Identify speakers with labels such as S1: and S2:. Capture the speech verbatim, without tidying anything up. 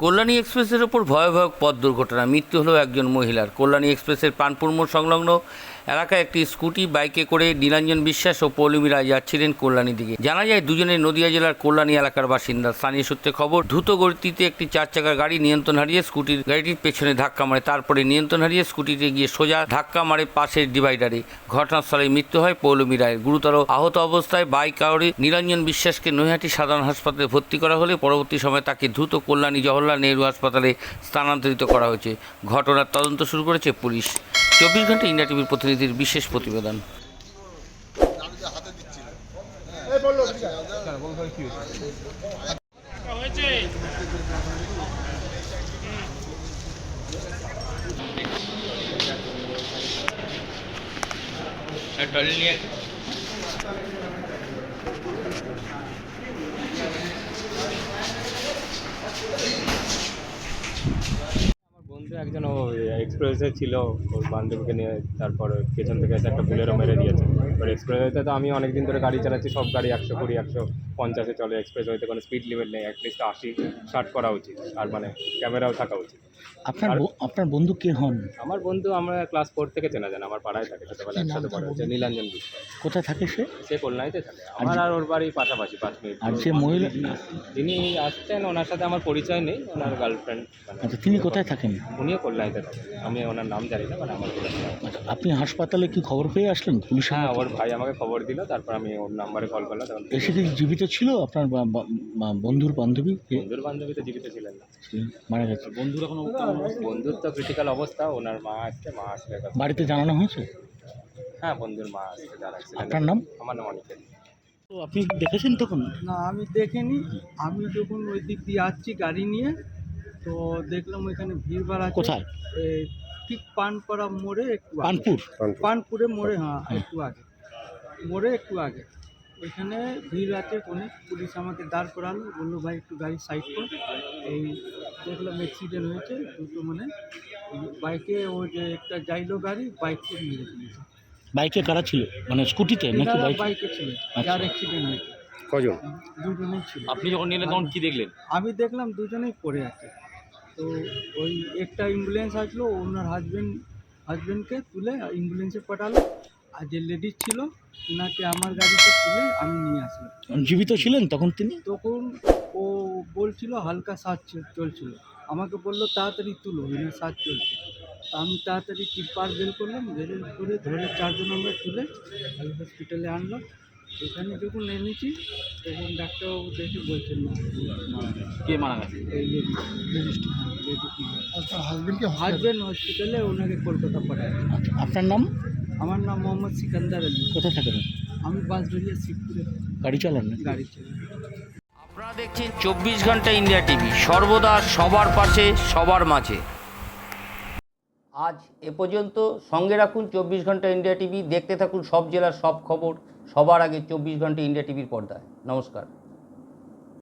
S1: কল্যাণী এক্সপ্রেসের ওপর ভয়াবহ পথ দুর্ঘটনা, মৃত্যু হলো একজন মহিলার। কল্যাণী এক্সপ্রেসের পানপুর মোড় সংলগ্ন এলাকায় একটি স্কুটি বাইকে করে নীলাঞ্জন বিশ্বাস ও পৌলমী রায় যাচ্ছিলেন কল্যাণীর দিকে। জানা যায় দুজনে নদিয়া জেলার কল্যাণী এলাকার বাসিন্দা। স্থানীয় সূত্রে খবর, দ্রুত গতিতে একটি চার চাকার গাড়ি নিয়ন্ত্রণ হারিয়ে স্কুটির গাড়িটির পেছনে ধাক্কা মারে। তারপরে নিয়ন্ত্রণ হারিয়ে স্কুটিতে গিয়ে সোজা ধাক্কা মারে পাশের ডিভাইডারে। ঘটনাস্থলে মৃত্যু হয় পৌলমী রায়ের। গুরুতর আহত অবস্থায় বাইক আরোহী নীলাঞ্জন বিশ্বাসকে নৈহাটি সাধারণ হাসপাতালে ভর্তি করা হলে পরবর্তী সময়ে তাকে দ্রুত কল্যাণী জওহরলাল নেহরু হাসপাতালে স্থানান্তরিত করা হয়েছে। ঘটনার তদন্ত শুরু করেছে পুলিশ। চব্বিশ ঘন্টা ইন্ডিয়া টিভির প্রতিনিধির বিশেষ প্রতিবেদন।
S2: বন্ধু একজন ও এক্সপ্রেসে ছিল, ওর বান্ধবীকে নিয়ে, তারপর পেছন থেকে এসে একটা বুলেরো মেরে দিয়েছে। এবার এক্সপ্রেসওয়েতে তো আমি অনেক দিন ধরে গাড়ি চালাচ্ছি, সব গাড়ি একশো কুড়ি একশো পঞ্চাশে চলে। এক্সপ্রেসওয়েতে কোনো স্পিড লিমিট নেই, অ্যাটলিস্ট আশি ষাট করা উচিত, আর মানে ক্যামেরাও থাকা উচিত।
S3: আপনার আপনার বন্ধু কে হন?
S2: আমার বন্ধু আমরা ক্লাস ফোর থেকে চেনা জানা, আমার পাড়ায় থাকে, ছোটোবেলা একসাথে পড়ে হচ্ছে নীলাঞ্জন বিশ্বাস।
S3: কোথায় থাকে সে?
S2: সে কল্যাণীতে থাকে, আমার আর ওর বাড়ি পাশাপাশি পাঁচ মিনিট।
S3: আর যে মহিলা
S2: যিনি আসছেন ওনার সাথে আমার পরিচয় নেই, ওনার গার্লফ্রেন্ড।
S3: আচ্ছা, তিনি কোথায় থাকেন?
S2: উনিও কল্যাণীতে থাকেন, আমি ওনার নাম জানি না, মানে আমার কল্যাণী।
S3: আচ্ছা, আপনি হাসপাতালে কি খবর পেয়ে আসলেন? পুলিশ?
S2: হ্যাঁ, ওর ভাই আমাকে খবর দিল, তারপর আমি ওর নাম্বারে কল করলাম। তখন
S3: এসে কি জীবিত ছিল আপনার বা- বা- বা- বন্ধুর বান্ধবী? কে
S2: বন্ধুর বান্ধবী তো জীবিত ছিলেন না,
S3: মারা গেছে?
S2: বন্ধুর এখন বন্ধুর তো ক্রিটিক্যাল অবস্থা। ওনার মা আসছে, মা আসলে কথা-
S3: বাড়িতে জানানো হয়েছে?
S2: হ্যাঁ, বন্ধুর মা আসছে, যারা
S3: আপনার নাম?
S2: আমার নাম অনিকেত।
S3: তো আপনি দেখেছেন তখন?
S4: না, আমি দেখিনি। আমি যখন ওই দিক দিয়ে আসছি গাড়ি নিয়ে, তো দেখলাম ওইখানে ভিড় ভাড় আছে।
S3: কোথায়?
S4: এই ঠিক পানপাড়া মোড়ে একটু আগে।
S3: পানপুর?
S4: পানপুরে মোড়ে, হ্যাঁ, একটু আগে, মোড়ে একটু আগে ওইখানে ভিড় আছে অনেক। পুলিশ আমাকে দাঁড় করালো, বললো ভাই একটু গাড়ি সাইড কর। এই দেখলাম অ্যাক্সিডেন্ট হয়েছে দুটো, মানে বাইকে ওই যে একটা যাইলো গাড়ি, বাইককে মেরে দিয়েছে।
S3: বাইকে কারা ছিল? মানে স্কুটিতে নাকি
S4: এনারা
S3: বাইক?
S4: বাইকে ছিল, যার অ্যাক্সিডেন্ট হয়েছে।
S2: কজন?
S4: দুজনেই ছিল।
S2: আপনি যখন নিলেন তখন কি দেখলেন?
S4: আমি দেখলাম দুজনেই পড়ে আছে। তো ওই একটা অ্যাম্বুলেন্স আসলো, ওনার হাজবেন্ড হাজবেন্ডকে তুলে অ্যাম্বুলেন্সে পাঠালো, আর যে লেডিস ছিল ওনাকে আমার গাড়িতে তুলে আমি নিয়ে আসলাম।
S3: জীবিত ছিলেন তখন তিনি?
S4: তখন ও বলছিল হালকা শ্বাস চ- চলছিল। আমাকে বললো তাড়াতাড়ি তুলো, এনার শ্বাস চলছে। তা আমি তাড়াতাড়ি টিপার বের করলাম, বের করে ধরে চারজন আমরা তুলে হসপিটালে আনলাম। এখানে যখন এনেছি তখন ডাক্তারবাবু দেখে বলছেন না,
S3: কে মারা গেছে?
S4: এই লেডিস লেডিসটি লেডিস আচ্ছা, হাজবেন্ডকে হাজবেন্ড হসপিটালে ওনাকে কলকাতা পাঠায়।
S3: আচ্ছা, আপনার নাম?
S4: আমার নাম মোহাম্মদ সিকান্দার আলী।
S3: কোথায় থাকেন?
S4: আমি বাঁশবেড়িয়া শিবপুরে
S3: গাড়ি চালান না?
S4: গাড়ি চালাই।
S1: আপনারা দেখছেন চব্বিশ ঘন্টা ইন্ডিয়া টিভি, সর্বদা সবার পাশে, সবার মাঝে। আজ এ পর্যন্ত। সঙ্গে রাখুন চব্বিশ ঘন্টা ইন্ডিয়া টিভি। দেখতে থাকুন সব জেলার সব খবর সবার আগে চব্বিশ ঘন্টা ইন্ডিয়া টিভির পর্দায়। নমস্কার।